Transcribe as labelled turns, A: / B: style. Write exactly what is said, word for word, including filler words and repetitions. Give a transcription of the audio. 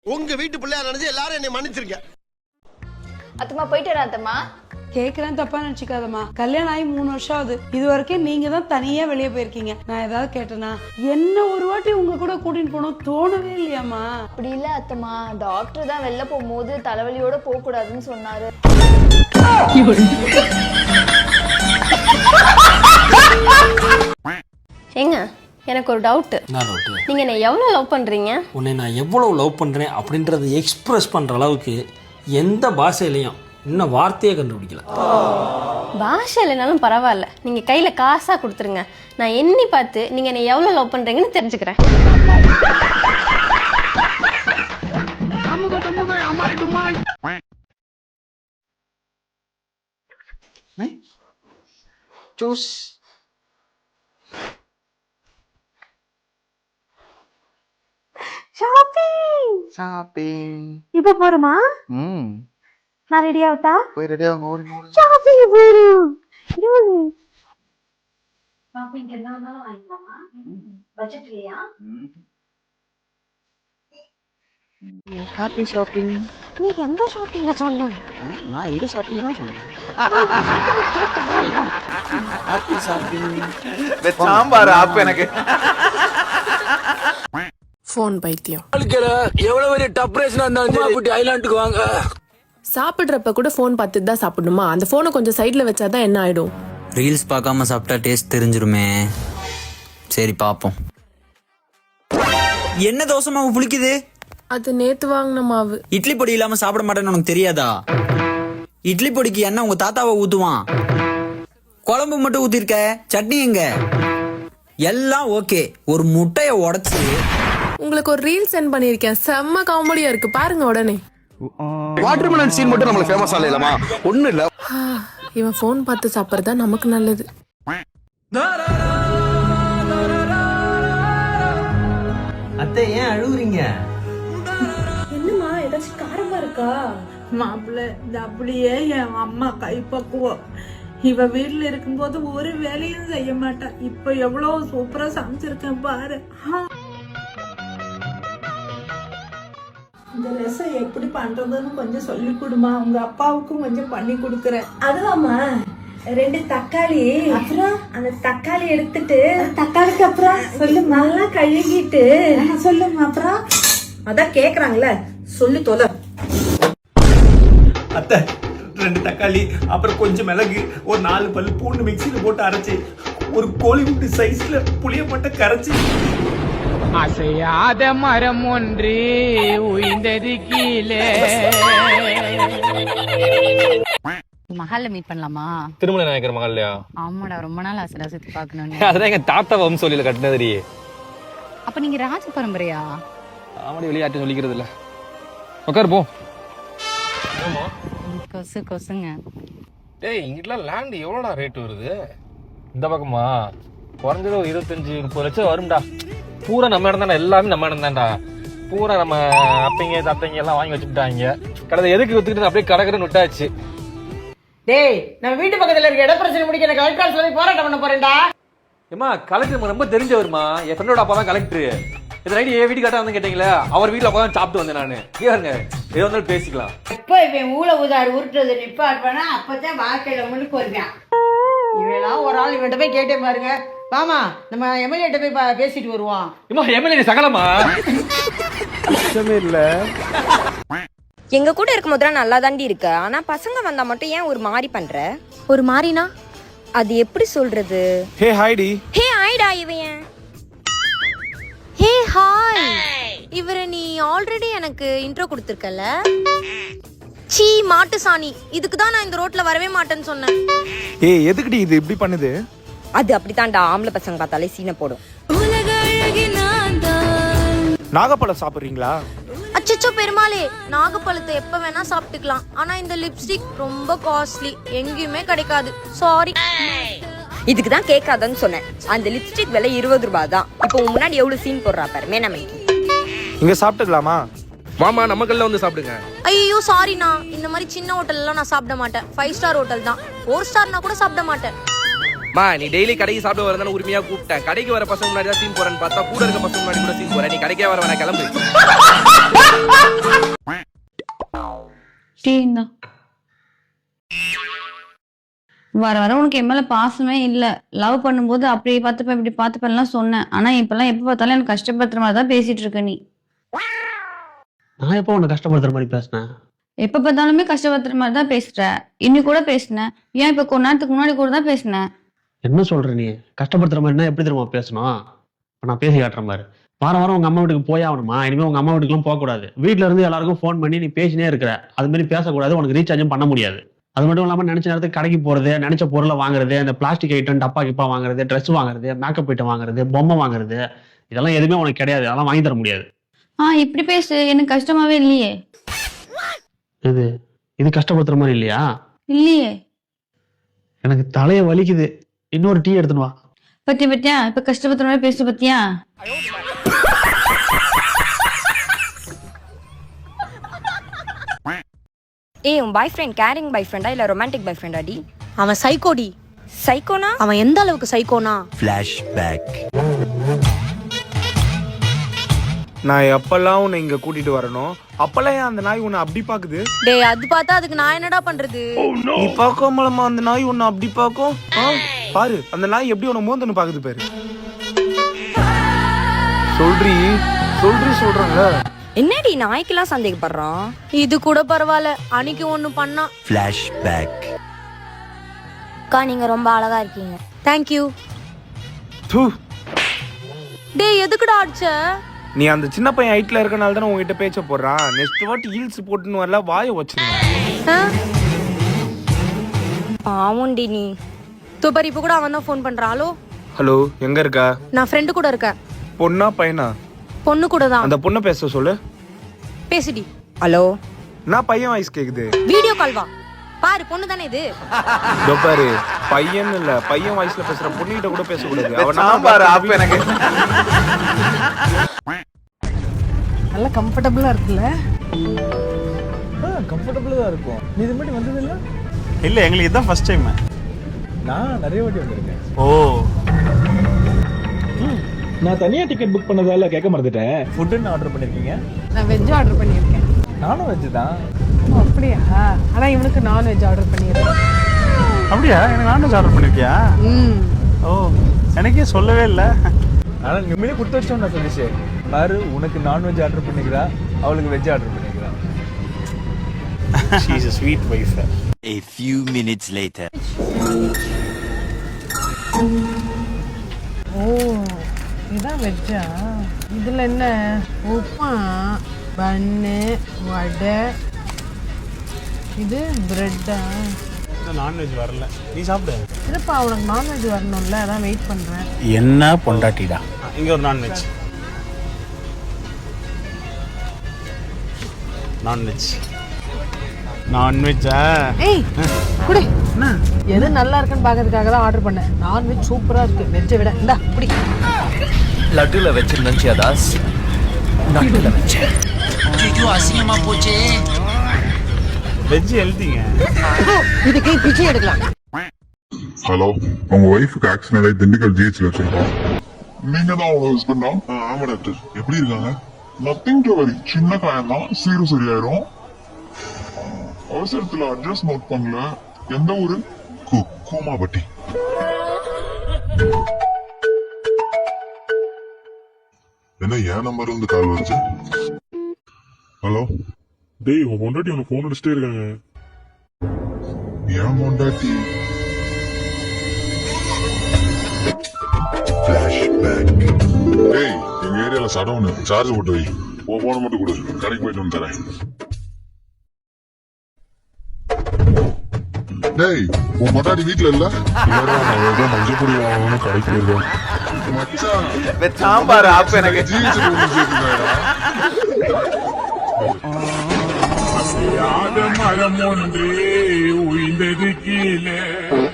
A: உங்க வீட்டு பிள்ளையா நினைச்சு எல்லாரும் என்னை மன்னிச்சிருங்க.
B: அத்தம்மா போயிட்டு வரேன் அத்தம்மா.
C: கேக்குறேன், தப்பா நினைச்சுக்காதம்மா. கல்யாணம் ஆகி மூணு வருஷம் ஆகுது. இது வரைக்கும் நீங்க தான் தனியா வெளியே போயிருக்கீங்க. நான் ஏதாவது கேட்டேனா? என்ன ஒரு வாட்டி உங்க கூட கூட்டிட்டு போனோம் தோணவே இல்லையாமா?
B: அப்படி இல்ல அத்தம்மா, டாக்டர் தான் வெளில போகும்போது தலைவலியோட போக கூடாதுன்னு சொன்னாரு.
D: ஏங்க எனக்கு ஒரு டவுட். நீங்க என்ன எவ்வளவு லவ் பண்றீங்க?
E: உன்னை நான் எவ்வளவு லவ் பண்றேன் அப்படின்றத எக்ஸ்பிரஸ் பண்ற அளவுக்கு எந்த பாஷையிலையும் இன்னும் வார்த்தையே கண்டுபிடிக்கல.
D: பாஷை இல்லைனாலும் பரவாயில்ல, நீங்க கையில காசா கொடுத்துருங்க. நான் எண்ணி பார்த்து நீங்க என்ன எவ்வளவு லவ் பண்றீங்கன்னு தெரிஞ்சுக்கிறேன்.
F: ஜூஸ்
G: ஷாப்பிங்
F: ஷாப்பிங்
G: இப்ப போறோமா?
F: ம்
G: நான் ரெடி ஆவட்டா?
F: போய் ரெடி ஆகுங்க. ஓடி ஓடி
G: ஷாப்பிங் போறோம். இருங்க. ஷாப்பிங் என்னன்னா வாங்கிக்கலாமா? பட்ஜெட்லயா?
F: Happy shopping.
G: நீ எந்த ஷாப்பிங்க சொன்ன?
F: நான் இந்த ஷாப்பிங் தான் சொன்னேன். Happy shopping. சாம்பார் ஆப் எனக்கு.
H: ஃபோன் பைத்தியம்.
E: எவ்வளவு பெரிய டப்ரேஷனா இருந்தாலும் சரி ஐலாண்டுக்கு வாங்க.
H: சாப்பிடுறப்ப கூட ஃபோன் பார்த்துட்டு தான் சாப்பிடணுமா? அந்த ஃபோனை கொஞ்சம் சைட்ல வச்சாதான் என்ன ஆயிடும்?
I: ரீல்ஸ் பார்க்காம சாப்பிட்டா டேஸ்ட் தெரிஞ்சிருமே. சரி பாப்போம். என்ன தோசை மாவு புளிக்குது?
H: அது நேத்து வாங்கின மாவு.
I: இட்லி பொடி இல்லாம சாப்பிட மாட்டேன்னு உனக்கு தெரியாதா? இட்லி பொடிக்கு என்ன உங்க தாத்தாவை ஊத்துவான்? குழம்பு மட்டும் ஊத்திருக்க, சட்னி எங்க? எல்லாம் ஓகே, ஒரு முட்டைய உடைச்சு
H: உங்களுக்கு ஒரு ரீல் சென்ட் பண்ணிருக்கேன், செம்ம காமெடியா இருக்கு, பாருங்க உடனே.
F: வாட்டர்மெலன் சீன் மட்டும் நமக்கு ஃபேமஸ் ஆகலமா? ஒண்ணு இல்ல,
H: இவன் ஃபோன் பார்த்து சாப்பிடுறதா நமக்கு நல்லது.
I: அத்தை ஏன் அழுகுறீங்க?
C: என்னம்மா ஏதாச்சும் காரமா இருக்கா? மாப்பிள்ள இந்த அப்படியே என் அம்மா கைப்பக்குவோம். இவ வீட்டுல இருக்கும்போது ஒரு வேலையும் செய்ய மாட்டா. இப்ப எவ்வளவு சூப்பரா சமைச்சிருக்கேன் பாரு. இந்த ரசம் எப்படி பண்றதுன்னு கொஞ்சம் சொல்லி கொடுமா. உங்க அப்பாவுக்கும் கொஞ்சம் பண்ணி கொடுக்கறேன்.
G: அதுவாமா? ரெண்டு தக்காளி, அப்புறம் அந்த தக்காளி எடுத்துட்டு தக்காளிக்கு அப்புறம் சொல்லு நல்லா கழுகிட்டு சொல்லுமா. அப்புறம் அதான் கேக்குறாங்கல்ல, சொல்லு தொலை.
J: அத்தை ரெண்டு தக்காளி, அப்புறம் கொஞ்சம் மிளகு, ஒரு நாலு பல்லு பூண்டு மிக்சியில போட்டு அரைச்சி ஒரு கோழிமுட்டு சைஸ்ல புளிய மட்டும் கரைச்சி.
K: அசையாத மரம் ஒன்று உயிர்ந்தது கீழே.
L: மஹால்ல மீட் பண்ணலாமா?
J: திருமலை நாயக்கர் மஹால்லையா?
L: ஆமாடா, ரொம்ப நாள் ஆசைடா சுத்தி பார்க்கணும்.
J: அதான் எங்க தாத்தா வம்சோலியில கட்டினதுரி.
L: அப்ப நீங்க ராஜ பரம்பரையா?
J: ஆமாடி, வெளியாட்டி சொல்லிக்கிறது இல்ல. உட்கார் போ.
L: கொசு கொசுங்க.
J: டேய், இங்கெல்லாம் லேண்ட் எவ்வளோடா ரேட் வருது? இந்த பக்கமா குறைஞ்சது ஒரு இருபத்தஞ்சு முப்பது லட்சம் வரும்டா. பூரா நம்ம இடம் தான்டா, எல்லாமே நம்ம இடம் தான்டா. பூரா நம்ம அப்பைங்க தத்தைங்க எல்லாம் வாங்கி வச்சுக்கிட்டாங்க. கடை எதுக்கு வித்துக்கிட்டு அப்படியே கடற்கரை விட்டாச்சு.
K: டேய், நம்ம வீட்டு பக்கத்துல இருக்க இட பிரச்சனை முடிக்க எனக்கு கலெக்டர் ஆஃபீஸ்ல போய் போராட்டம் பண்ண போறேன்டா.
J: ஏமா, கலெக்டர் ரொம்ப தெரிஞ்சவருமா. என் ஃப்ரெண்டோட அப்பா தான் கலெக்டர். இது நைட்டு என் வீட்டு கட்ட வந்து கேட்டீங்களா? அவர் வீட்டுல அப்பதான் சாப்பிட்டு வந்தேன் நானு. ஏங்க ஏதோ இருந்தாலும் பேசிக்கலாம்.
K: எப்ப இவன் ஊழ உதாடு உருட்டுறது நிப்பாடுவானா அப்பதான் வாழ்க்கையில முன்னுக்கு வருவான். இவெல்லாம் ஒரு ஆள் இவன்கிட்ட போய் கேட்டே பாருங்க. வாமா, நம்ம எம்எல்ஏ போய் பேசிட்டு வருவோம். இம்மா, எம்எல்ஏ சகலமா
F: இல்ல.
M: எங்க கூட இருக்கும் போது நல்லா தாண்டி இருக்க, ஆனா பசங்க வந்தா மட்டும் ஏன் ஒரு மாதிரி பண்ற? ஒரு மாதிரினா அது எப்படி சொல்றது?
F: ஹே ஹாய்டி.
M: ஹே ஹாய்டா. இவன் ஹே ஹாய். இவரை நீ ஆல்ரெடி எனக்கு இன்ட்ரோ கொடுத்துருக்கல. சீ மாட்டு சாணி, இதுக்கு தான் நான் இந்த ரோட்ல வரவே மாட்டேன்னு சொன்னேன்.
F: ஏய், எதுக்குடி இது இப்படி பண்ணுது?
M: அது அப்படித்தான்டா, ஆம்பளை பசங்க பார்த்தாலே சீனை போடும்.
F: நாகப்பழம் சாப்பிடுறீங்களா?
M: அச்சச்சோ பெருமாளே, நாகப்பழத்தை எப்ப வேணா சாப்பிட்டுக்கலாம், ஆனா இந்த லிப்ஸ்டிக் ரொம்ப காஸ்ட்லி, எங்கேயுமே கிடைக்காது, சாரி. இதுக்கு தான் கேட்காதன்னு சொன்னேன். அந்த லிப்ஸ்டிக் விலை இருபது ரூபாய் தான். இப்போ முன்னாடி எவ்வளவு சீன் போடுறா பாரு மேனமைக்கு.
F: இங்க சாப்பிட்டுக்கலாமா?
J: மாமா, நம்ம கல்ல வந்து சாப்பிடுங்க.
M: ஐயோ சாரிண்ணா, இந்த மாதிரி சின்ன ஹோட்டல் எல்லாம் நான் சாப்பிட மாட்டேன். ஃபைவ் ஸ்டார் ஹோட்டல் தான். ஃபோர் ஸ்டார்னா கூட சாப்பிட மாட்டேன்.
J: மா, நீ டெய்லி கடைக்கு சாப்பிட வரதான உரிமையா கூப்பிட்டேன். கடைக்கு வர பசங்க முன்னாடி தான் சீன் போறேன்னு பார்த்தா கூட இருக்க பசங்க முன்னாடி கூட சீன் போறேன். நீ கடைக்கே வர வேணா, கிளம்பு.
L: டீன்னா வர வர உனக்கு என் மேல பாசமே இல்ல. லவ் பண்ணும்போது அப்படி பார்த்துப்பேன் இப்படி பார்த்துப்பேன்லாம் சொன்னேன். ஆனா இப்பெல்லாம் எப்ப பார்த்தாலும் எனக்கு கஷ்டப்படுத்துற மாதிரி தான் பேசிட்டு இருக்க நீ.
E: நான் எப்போ உன்னை கஷ்டப்படுத்துற மாதிரி பேசினேன்?
L: எப்ப பார்த்தாலுமே கஷ்டப்படுத்துற மாதிரி தான் பேசுற. இன்னி கூட பேசினேன். ஏன் இப்ப கொஞ்ச நேரத்துக்கு முன்னாடி கூட தான் பேசினேன்.
E: என்ன சொல்ற நீ? கஷ்டப்படுத்துற மாதிரினா எப்படி தெரியுமா பேசணும்? நான் பேசி காட்டுற மாதிரி. வாரம் வாரம் உங்க அம்மா வீட்டுக்கு போய் ஆகணுமா? இனிமே உங்க அம்மா வீட்டுக்குலாம் போகக்கூடாது. வீட்டுல இருந்து எல்லாருக்கும் ஃபோன் பண்ணி நீ பேசினே இருக்கிற. அது மாதிரி பேசக்கூடாது. உனக்கு ரீசார்ஜும் பண்ண முடியாது. அது மட்டும் இல்லாமல் நினைச்ச நேரத்துக்கு கடைக்கு போறது, நினைச்ச பொருளை வாங்குறது, அந்த பிளாஸ்டிக் ஐட்டம் டப்பா கிப்பா வாங்குறது, ட்ரெஸ் வாங்குறது, மேக்கப் ஐட்டம் வாங்குறது, பொம்மை வாங்குறது, இதெல்லாம் எதுவுமே உனக்கு கிடையாது. அதெல்லாம் வாங்கி தர முடியாது.
L: ஆ இப்படி பேசு. எனக்கு கஷ்டமாவே இல்லையே.
E: இது இது கஷ்டப்படுத்துற மாதிரி இல்லையா?
L: இல்லையே.
E: எனக்கு தலையை வலிக்குது. இன்னொரு டீ எடுத்துன்னு வா.
L: பத்தியா பத்தியா இப்ப கஷ்டப்படுத்துற மாதிரி பேசு பத்தியா?
M: ஏய் உன் பாய் ஃப்ரெண்ட் கேரிங் பாய் ஃப்ரெண்டா இல்ல ரொமான்டிக் பாய் ஃப்ரெண்டா டி?
G: அவன் சைக்கோடி.
M: சைக்கோனா?
G: அவன் எந்த அளவுக்கு சைக்கோனா?
I: ஃபிளாஷ்பேக்.
F: நான் எப்பெல்லாம் உன்னை இங்க கூட்டிட்டு வரணும் அப்பெல்லாம் ஏன் அந்த நாய் உன்னை அப்படி பாக்குது?
M: டேய் அது பார்த்தா அதுக்கு நான் என்னடா பண்றது?
F: நீ பார்க்காமலமா அந்த நாய் உன்னை அப்படி பாக்கும்? பாரு அந்த நாய் எப்படி உன்னை மோந்தன்னு பாக்குது பாரு. சொல்றி சொல்றி சொல்றாங்க.
M: என்னடி நாய்க்கெல்லாம் சந்தேகப்படுறான்? இது கூட பரவாயில்ல. அன்னைக்கு ஒண்ணு பண்ணா.
I: ஃபிளாஷ்பேக்.
M: அக்கா நீங்க ரொம்ப அழகா இருக்கீங்க. தேங்க்யூ. டேய் எதுக்குடா அடிச்ச?
F: நீ அந்த சின்ன பையன் ஹைட்ல இருக்கனால தானே உங்ககிட்ட பேச்ச போடுறான். நெக்ஸ்ட் வாட்டி ஹீல்ஸ் போட்டுன்னு வரல வாயை வச்சிருந்தேன்.
M: பாவுண்டி நீ. தூப்பர் இப்ப கூட அவன் தான் ஃபோன் பண்றான். ஹலோ
F: ஹலோ எங்க இருக்கா?
M: நான் ஃப்ரெண்டு கூட இருக்கேன்.
F: பொண்ணா பையனா?
M: பொண்ணு கூட தான்.
F: அந்த பொண்ணை பேச சொல்லு.
M: பேசுடி. ஹலோ
F: நான் பையன் வாய்ஸ் கேக்குது.
M: வீடியோ கால் வா. பாரு பொண்ணு தானே இது.
F: இதோ பாரு பையன் இல்ல பையன் வாய்ஸ்ல பேசுற பொண்ணுகிட்ட கூட பேச கூடாது. அவனா
I: பாரு அப்ப எனக்கு
C: நல்ல கம்ஃபர்டபுளா இருக்குல்ல?
J: கம்ஃபர்டபுளா தான் இருக்கும். நீ இது மட்டும் வந்தது இல்ல?
F: இல்ல எங்களுக்கு இதான் ஃபர்ஸ்ட் டைம்.
J: நான் நிறைய வாட்டி வந்திருக்கேன்.
F: ஓ
J: நான் தனியா டிக்கெட் புக் பண்ணதால கேட்க மறந்துட்டேன். ஃபுட் என்ன ஆர்டர் பண்ணிருக்கீங்க?
C: நான் வெஜ் ஆர்டர் பண்ணியிருக்கேன்.
J: நானும் வெஜ் தான்.
C: அப்படியா? ஆனா இவனுக்கு நான்வெஜ் ஆர்டர் பண்ணியிருக்கேன்.
F: அப்படியா? எனக்கு நான்வெஜ் ஆர்டர் பண்ணிருக்கியா? ஓ எனக்கே சொல்லவே இல்லை.
J: ஆனா உண்மையிலே கொடுத்து வச்சோம். நான் சொல்லிச்சு பாரு உனக்கு நான்வெஜ் ஆர்டர் பண்ணிக்கிறா, அவளுக்கு வெஜ் ஆர்டர் பண்ணிக்கிறா.
F: She is a sweet wife.
I: A few minutes later.
C: ஓ இதான் வெஜ்ஜா? இதுல என்ன? உப்புமா, பன்னு, வடை, இது பிரெட்டா?
F: நான்வெஜ் வரல. நீ சாப்பிடு.
C: இல்லப்பா உனக்கு நான்வெஜ் வரணும்ல, அதான் வெயிட் பண்றேன்.
F: என்ன பொண்டாட்டிடா. இங்க ஒரு நான்வெஜ். நான்வெஜ் நான்வெஜ்ஜா?
C: ஏய் குடி. எது நல்லா இருக்குன்னு பாக்கிறதுக்காக தான் ஆர்டர் பண்ணேன். நான்வெஜ் சூப்பரா இருக்கு வெஜ்ஜை விட. இந்தா குடி.
I: லட்டுல வச்சிருந்தா தாஸ் நட்டுல வச்சேன். ஐயோ அசிங்கமா போச்சே.
F: வெஜ் ஹெல்திங்க.
K: இதுக்கு பிச்சை எடுக்கலாம்.
N: ஹலோ உங்க ஒய்ஃபுக்கு ஆக்சிடென்ட் ஆகி திண்டுக்கல் ஜிஹெச்ல வச்சிருக்கோம். நீங்க தான் உங்க ஹஸ்பண்டா? ஆமா டாக்டர். எப்படி இருக்காங்க? Nothing to worry. சின்ன காயம் தான், சீரும் சரியாயிரும். அவசரத்துல அட்ரஸ் நோட் பண்ணல. எந்த ஊரு? கூமாபட்டி. என்ன ஏன் நம்பர் வந்து கால் வந்துச்சு? ஹலோ டேய் உன் பொண்டாட்டி உனக்கு போன் அடிச்சுட்டே இருக்காங்க. ஏன் பொண்டாட்டி? டேய் எங்க ஏரியால சடவுன் சார்ஜ் போட்டு வை. உன் போன மட்டும் கொடு, கடைக்கு போயிட்டு வந்து தரேன். டேய் உன் பொண்டாட்டி வீட்டுல இல்ல? மஞ்சள் பொடி வாங்கணும் கடைக்கு போயிருக்கோம்.
I: சாம்பார் ஆப் எனக்கு
N: மரம் ஒன்றே உயிர்ந்தது கீழே